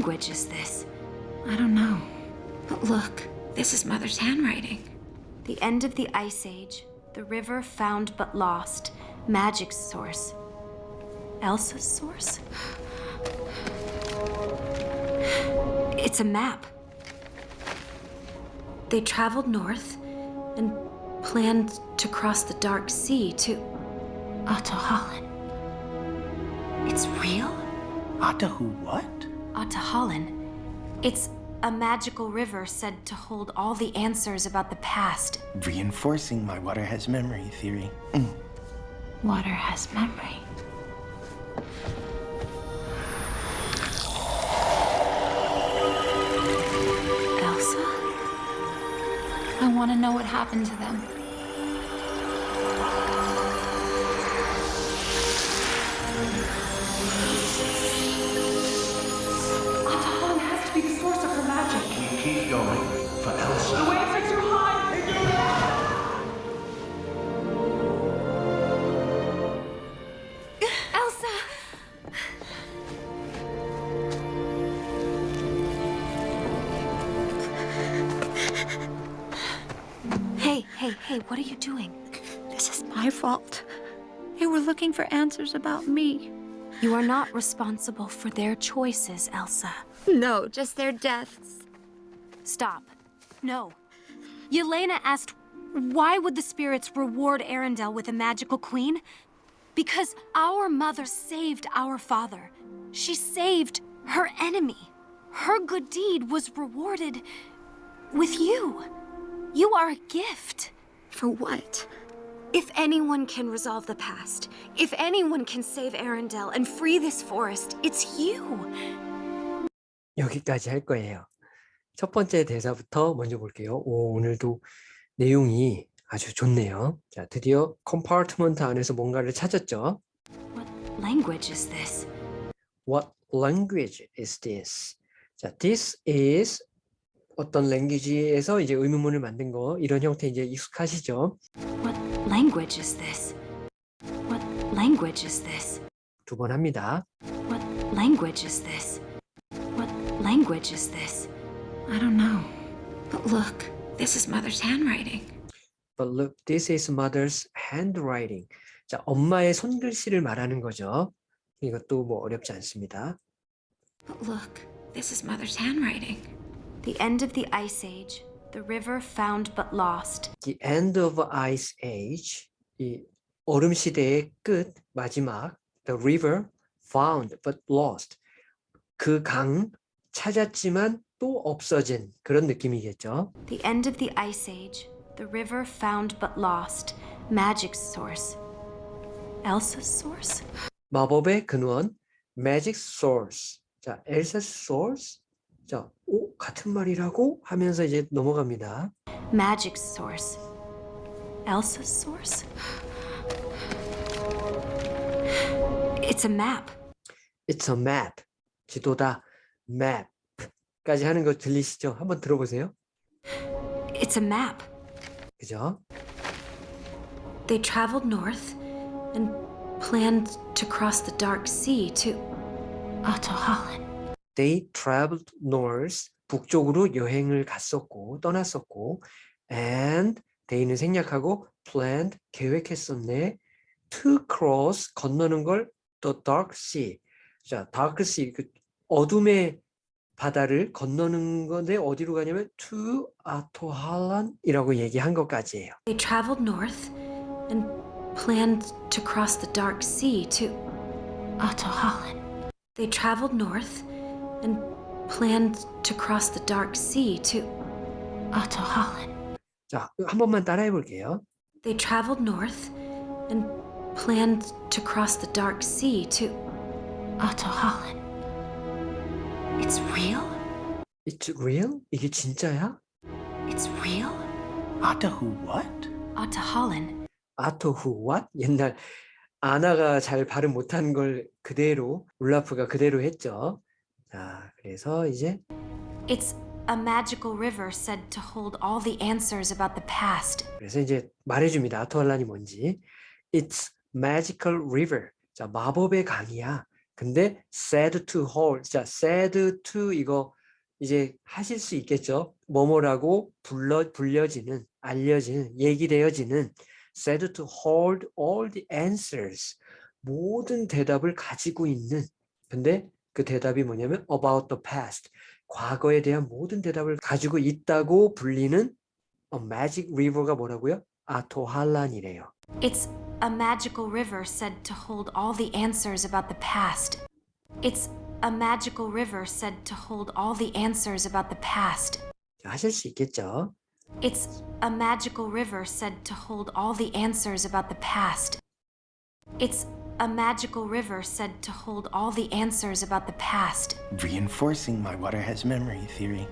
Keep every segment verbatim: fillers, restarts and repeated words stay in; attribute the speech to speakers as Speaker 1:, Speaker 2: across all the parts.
Speaker 1: language is this?
Speaker 2: I don't know. But look, this is Mother's handwriting.
Speaker 1: The end of the Ice Age, the river found but lost, magic's source. Elsa's source? It's a map. They traveled north and planned to cross the Dark Sea to Ahtohallan. It's real?
Speaker 3: Atahu what?
Speaker 1: Ahtohallan. It's a magical river said to hold all the answers about the past.
Speaker 3: Reinforcing my water has memory theory.
Speaker 2: Water has memory.
Speaker 1: Elsa?
Speaker 2: I want to know what happened to them.
Speaker 4: Ahtohallan has to be the source of her magic.
Speaker 5: Keep going for Elsa.
Speaker 4: The waves are too high!
Speaker 1: Elsa! Hey, hey, hey, what are you doing?
Speaker 2: This is my fault. They were looking for answers about me.
Speaker 1: You are not responsible for their choices, Elsa.
Speaker 2: No, just their deaths.
Speaker 1: Stop. No. Yelena asked, why would the spirits reward Arendelle with a magical queen? Because our mother saved our father. She saved her enemy. Her good deed was rewarded with you. You are a gift.
Speaker 2: For what?
Speaker 1: If anyone can resolve the past, if anyone can save Arendelle and free this forest, it's you.
Speaker 6: 여기까지 할 거예요. 첫 번째 대사부터 먼저 볼게요. 오, 오늘도 내용이 아주 좋네요. 자, 드디어 컴파트먼트 안에서 뭔가를 찾았죠.
Speaker 1: What language is this?
Speaker 6: What language is this? 자, this is 어떤 랭귀지에서 이제 의문문을 만든 거, 이런 형태 이제 익숙하시죠?
Speaker 1: What language is this? What language is this?
Speaker 6: 두 번 합니다.
Speaker 1: What language is this? What language is this?
Speaker 2: I don't know. But look, this is Mother's handwriting.
Speaker 6: But look, this is mother's handwriting. 자, 엄마의 손글씨를 말하는 거죠. 이것도 뭐 어렵지 않습니다.
Speaker 2: But look, this is Mother's handwriting.
Speaker 1: The end of the Ice Age, the river found but lost.
Speaker 6: The end of ice age, 이 얼음 시대의 끝, 마지막. The river found but lost. 그 강 찾았지만 또 없어진 그런 느낌이겠죠.
Speaker 1: The end of the Ice Age, the river found but lost, magic's source. Elsa's source?
Speaker 6: 마법의 근원, magic source. 자, Elsa's source. 자, 오, 같은 말이라고 하면서 이제 넘어갑니다.
Speaker 1: Magic's source. Elsa's source? It's a map.
Speaker 6: It's a map. 지도다. map까지 하는 거 들리시죠? 한번 들어보세요.
Speaker 1: It's a map.
Speaker 6: 그죠?
Speaker 1: They traveled north and planned to cross the Dark Sea to Ahtohallan.
Speaker 6: They traveled north. 북쪽으로 여행을 갔었고 떠났었고 and they는 생략하고 planned 계획했었네. to cross 건너는 걸 the dark sea. 자, dark sea 그 어둠의 바다를 건너는 건데 어디로 가냐면 to Ahtohallan이라고 얘기한 것까지예요.
Speaker 1: They traveled north and planned to cross the Dark Sea to Ahtohallan. They traveled north and planned to cross the Dark Sea to Ahtohallan.
Speaker 6: 자, 한 번만 따라해 볼게요.
Speaker 1: They traveled north and planned to cross the Dark Sea to Ahtohallan. It's real?
Speaker 6: It's real? 이게 진짜야?
Speaker 1: It's real?
Speaker 3: Atahu what?
Speaker 1: Ahtohallan.
Speaker 6: 아토후 what? 옛날 아나가 잘 발음 못한 걸 그대로 울라프가 그대로 했죠. 자, 그래서 이제
Speaker 1: It's a magical river said to hold all the answers about the past.
Speaker 6: 그래서 이제 말해줍니다. 아토할란이 뭔지. It's magical river. 자, 마법의 강이야. 근데 said to her, 자, said to 이거 이제 하실 수 있겠죠. 뭐뭐라고 불러 불려지는, 알려지는, 얘기되어지는 said to hold all the answers. 모든 대답을 가지고 있는. 근데 그 대답이 뭐냐면 about the past. 과거에 대한 모든 대답을 가지고 있다고 불리는 a magic river가 뭐라고요? 아토할란이래요.
Speaker 1: It's a magical river said to hold all the answers about the past. It's a magical river said to hold all the answers about the past.
Speaker 6: 하실 수 있겠죠?
Speaker 1: It's a magical river said to hold all the answers about the past. It's a magical river said to hold all the answers about the past.
Speaker 3: Reinforcing my water has memory theory.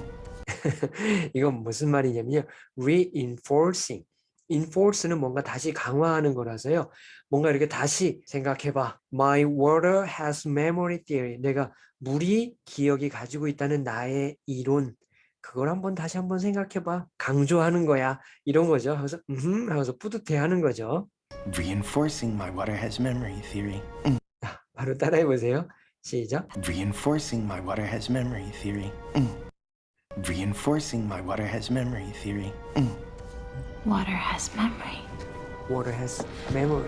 Speaker 6: 이건 무슨 말이냐면요. reinforcing. enforce는 뭔가 다시 강화하는 거라서요. 뭔가 이렇게 다시 생각해봐. My water has memory theory. 내가 물이 기억이 가지고 있다는 나의 이론. 그걸 한번 다시 한번 생각해봐. 강조하는 거야. 이런 거죠. 그래서 음 하면서 뿌듯해하는 거죠.
Speaker 3: Reinforcing my water has memory theory.
Speaker 6: 바로 따라해 보세요. 시작.
Speaker 3: Reinforcing my water has memory theory. Reinforcing my water has memory theory.
Speaker 2: Water has memory.
Speaker 6: Water has memory.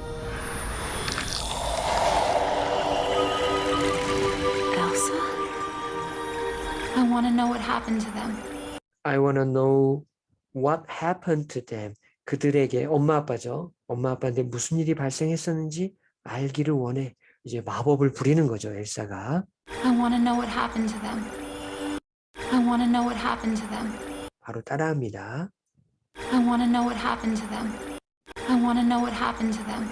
Speaker 2: Elsa? I want to know what happened to them.
Speaker 6: I wanna know what happened to them. 그들에게 엄마 아빠죠. 엄마 아빠한테 무슨 일이 발생했었는지 알기를 원해. 이제 마법을 부리는 거죠, 엘사가.
Speaker 2: I want to know what happened to them. I want to know what happened to them.
Speaker 6: 바로 따라합니다.
Speaker 2: I want to know what happened to them. I want to know what happened to them.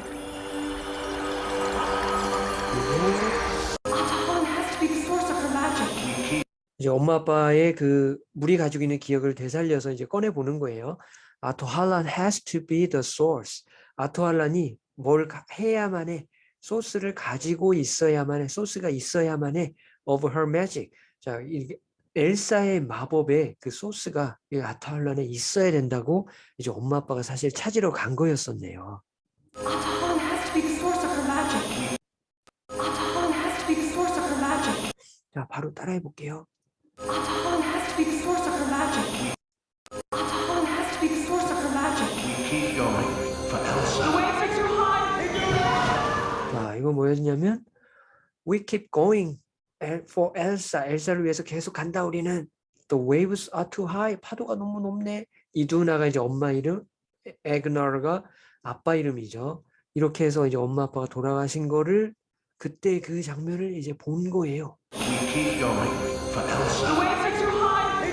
Speaker 4: Atahalan has to be the source of her magic.
Speaker 6: 이제 엄마 아빠의 그 물이 가지고 있는 기억을 되살려서 이제 꺼내 보는 거예요. 아토할란 has to be the source. 아토할란이 뭘 가- 해야만 해. 소스를 가지고 있어야만 해. 소스가 있어야만 해. of her magic. 자, 이게 엘사의 마법의 그 소스가 이 아토할란에 있어야 된다고 이제 엄마 아빠가 사실 찾으러 간 거였었네요.
Speaker 4: Atahalan has to be the source of her magic. Atahalan has to be the source of her magic.
Speaker 6: 자, 바로 따라해 볼게요.
Speaker 4: Atahalan has to be the source of her magic. Atahalan has to be the source of her magic.
Speaker 5: Keep going for Elsa.
Speaker 4: The waves are too high.
Speaker 6: 자, 이거 뭐였냐면 We keep going for Elsa. 엘사를 위해서 계속 간다 우리는. The waves are too high. 파도가 너무 높네. 이두나가 이제 엄마 이름, 에그너가 아빠 이름이죠. 이렇게 해서 이제 엄마 아빠가 돌아가신 거를 그때 그 장면을 이제 본 거예요.
Speaker 5: Keep going for Elsa.
Speaker 4: The waves are too high.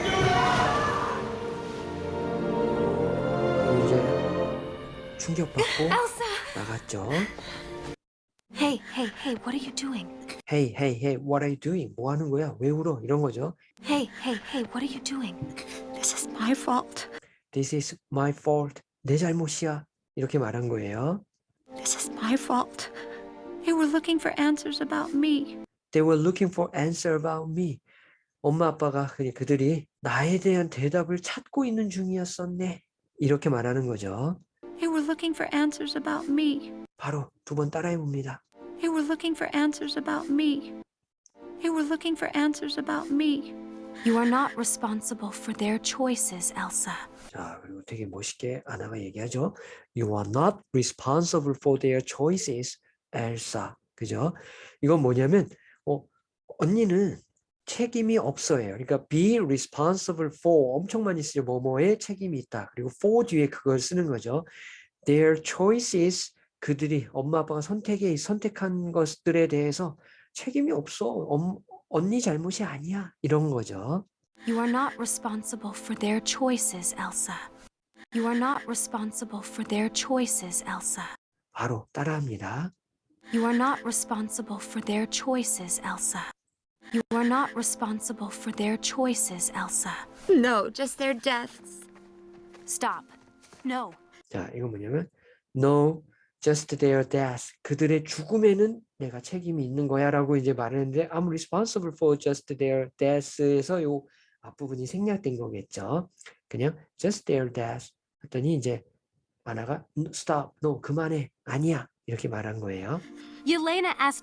Speaker 6: 그리고 이제 충격받고
Speaker 1: Elsa!
Speaker 6: 나갔죠.
Speaker 1: Hey, hey, hey, what are you doing?
Speaker 6: Hey, hey, hey, what are you doing? 뭐 하는 거야? 왜 울어? 이런 거죠.
Speaker 1: Hey, hey, hey, what are you doing?
Speaker 2: This is my fault.
Speaker 6: This is my fault. 내 잘못이야. 이렇게 말한 거예요.
Speaker 2: This is my fault. They were looking for answers about me.
Speaker 6: They were looking for answer about me. 엄마 아빠가 그냥 그들이 나에 대한 대답을 찾고 있는 중이었었네. 이렇게 말하는 거죠.
Speaker 2: They were looking for answers about me.
Speaker 6: 바로 두 번 따라해 봅니다.
Speaker 2: They were looking for answers about me. They were looking for answers about me.
Speaker 1: You are not responsible for their choices, Elsa.
Speaker 6: 자, 그리고 되게 멋있게 아나가 얘기하죠. You are not responsible for their choices, Elsa. 그죠? 이건 뭐냐면 어, 언니는 책임이 없어요. 그러니까 be responsible for 엄청 많이 쓰죠. 뭐뭐에 책임이 있다. 그리고 for 뒤에 그걸 쓰는 거죠. Their choices 그들이 엄마 아빠가 선택에 선택한 것들에 대해서 책임이 없어. 엄, 언니 잘못이 아니야. 이런 거죠.
Speaker 1: You are not responsible for their choices, Elsa. You are not responsible for their choices, Elsa.
Speaker 6: 바로 따라합니다.
Speaker 1: You are not responsible for their choices, Elsa. You are not responsible for their choices, Elsa.
Speaker 2: No, just their deaths.
Speaker 1: Stop. No.
Speaker 6: 자, 이거 뭐냐면 No, just their death. 그들의 죽음에는 내가 책임이 있는 거야라고 이제 말했는데 I'm responsible for just their death에서 요 앞부분이 생략된 거겠죠. 그냥 just their death 했더니 이제 아나가 stop, no, 그만해, 아니야 이렇게 말한 거예요.
Speaker 1: Yelena asked,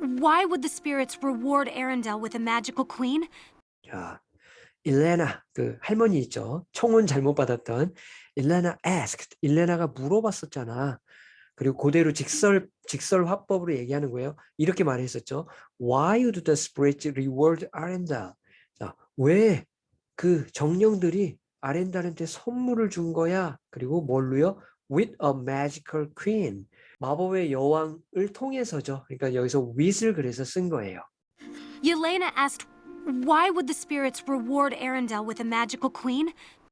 Speaker 1: why would the spirits reward Arendelle with a magical queen?
Speaker 6: 자, 일레나 그 할머니 있죠. 청혼 잘못 받았던 일레나 asked. 일레나가 물어봤었잖아. 그리고 그대로 직설 직설 화법으로 얘기하는 거예요. 이렇게 말했었죠. Why would the spirits reward Arendelle? 자, 왜 그 정령들이 아렌달한테 선물을 준 거야? 그리고 뭘로요? With a magical queen. 마법의 여왕을 통해서죠. 그러니까 여기서 with을 그래서 쓴 거예요.
Speaker 1: Yelena asked, why would the spirits reward Arendelle with a magical queen?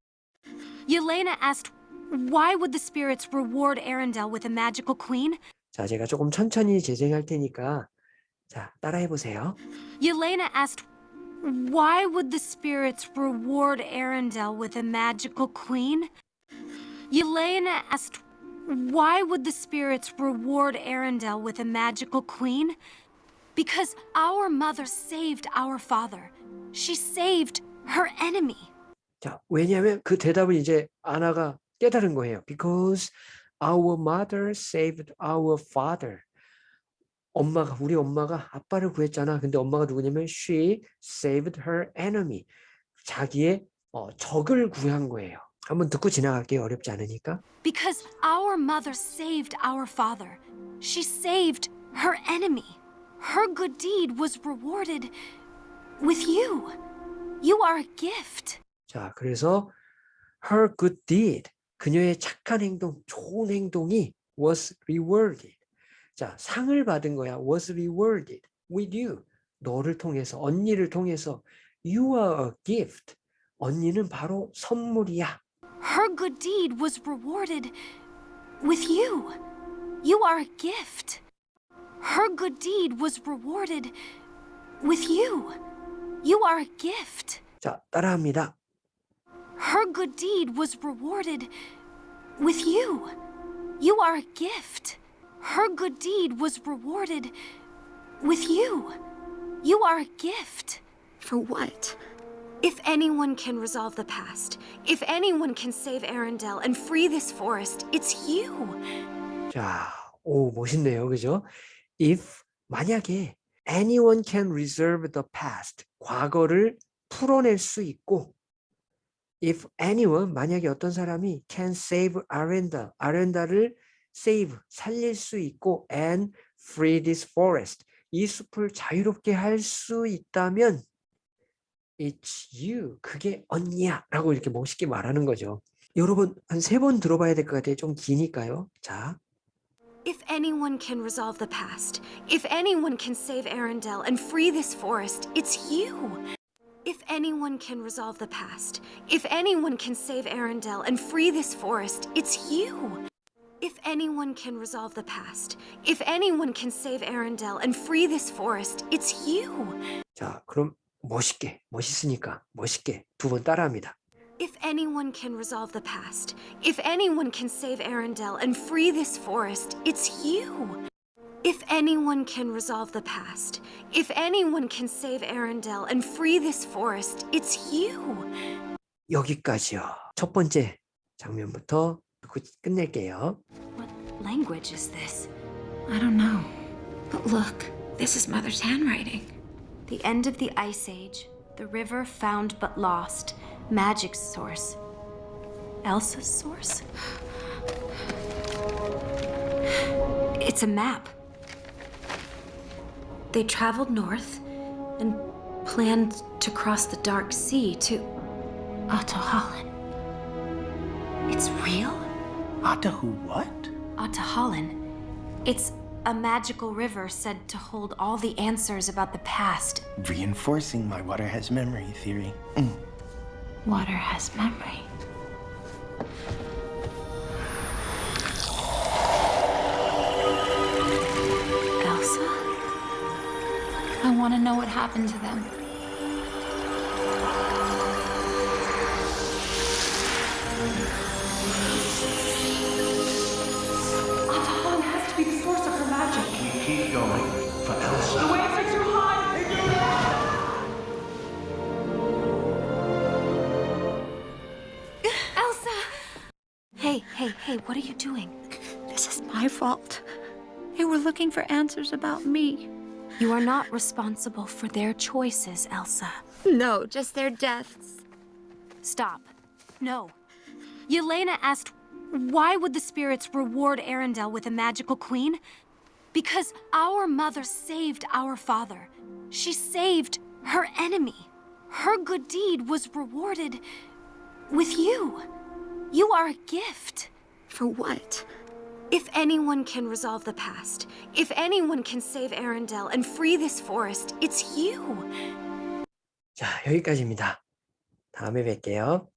Speaker 1: Yelena asked, why would the spirits reward Arendelle with a magical queen?
Speaker 6: 자, 제가 조금 천천히 재생할 테니까 자, 따라해 보세요.
Speaker 1: Yelena asked, why would the spirits reward Arendelle with a magical queen? Yelena asked, why would the spirits reward Arendelle with a magical queen? Because our mother saved our father. She saved her enemy.
Speaker 6: 자, 왜냐하면 그 대답을 이제 아나가 깨달은 거예요. Because our mother saved our father. 엄마가 우리 엄마가 아빠를 구했잖아. 근데 엄마가 누구냐면 she saved her enemy. 자기의 어, 적을 구한 거예요. 한번 듣고 지나갈게요. 어렵지 않으니까.
Speaker 1: Because our mother saved our father. She saved her enemy. Her good deed was rewarded with you. You are a gift.
Speaker 6: 자, 그래서 her good deed, 그녀의 착한 행동, 좋은 행동이 was rewarded. 자, 상을 받은 거야. was rewarded with you. 너를 통해서, 언니를 통해서. You are a gift. 언니는 바로 선물이야.
Speaker 1: Her good deed was rewarded with you. You are a gift. Her good deed was rewarded with you. You are a gift.
Speaker 6: 자, 따라합니다.
Speaker 1: Her good deed was rewarded with you. You are a gift. Her good deed was rewarded with you. You are a gift.
Speaker 2: For what?
Speaker 1: If anyone can resolve the past, if anyone can save Arendelle and free this forest, it's you.
Speaker 6: 자, 오, 멋있네요. 그죠? If, 만약에 anyone can reserve the past, 과거를 풀어낼 수 있고 if anyone, 만약에 어떤 사람이 can save Arendelle, 아렌다를 save, 살릴 수 있고 and free this forest, 이 숲을 자유롭게 할 수 있다면 it's you, 그게 언니야 라고 이렇게 멋있게 말하는 거죠. 여러분 한 세 번 들어봐야 될 것 같아요. 좀 기니까요. 자,
Speaker 1: If anyone can resolve the past, if anyone can save Arendelle and free this forest, it's you. If anyone can resolve the past, if anyone can save Arendelle and free this forest, it's you. If anyone can resolve the past, if anyone can save Arendelle and free this forest, it's you.
Speaker 6: 자, 그럼 멋있게, 멋있으니까 멋있게 두 번 따라합니다.
Speaker 1: If anyone can resolve the past, if anyone can save Arendelle and free this forest, it's you. If anyone can resolve the past, if anyone can save Arendelle and free this forest, it's you.
Speaker 6: 여기까지요. 첫 번째 장면부터 듣고 끝낼게요.
Speaker 1: What language is this?
Speaker 2: I don't know. But look, this is Mother's handwriting.
Speaker 1: The end of the Ice Age, the river found but lost, magic's source. Elsa's source? It's a map. They traveled north and planned to cross the Dark Sea to Ahtohallan. It's real?
Speaker 3: Atahu what?
Speaker 1: Ahtohallan. It's a magical river said to hold all the answers about the past.
Speaker 3: Reinforcing my water has memory theory. Mm.
Speaker 2: Water has memory.
Speaker 1: Elsa?
Speaker 2: I want to know what happened to them.
Speaker 4: Atahan has to be the source of her magic.
Speaker 5: We keep going for
Speaker 4: The
Speaker 5: Elsa.
Speaker 4: waves are too high!
Speaker 1: Elsa! Hey, hey, hey, what are you doing?
Speaker 2: This is my fault. They were looking for answers about me.
Speaker 1: You are not responsible for their choices, Elsa.
Speaker 2: No, just their deaths.
Speaker 1: Stop. No. Yelena asked, why would the spirits reward Arendelle with a magical queen? Because our mother saved our father. She saved her enemy. Her good deed was rewarded with you. You are a gift.
Speaker 2: For what?
Speaker 1: If anyone can resolve the past, if anyone can save Arendelle and free this forest, it's you.
Speaker 6: 자, 여기까지입니다. 다음에 뵐게요.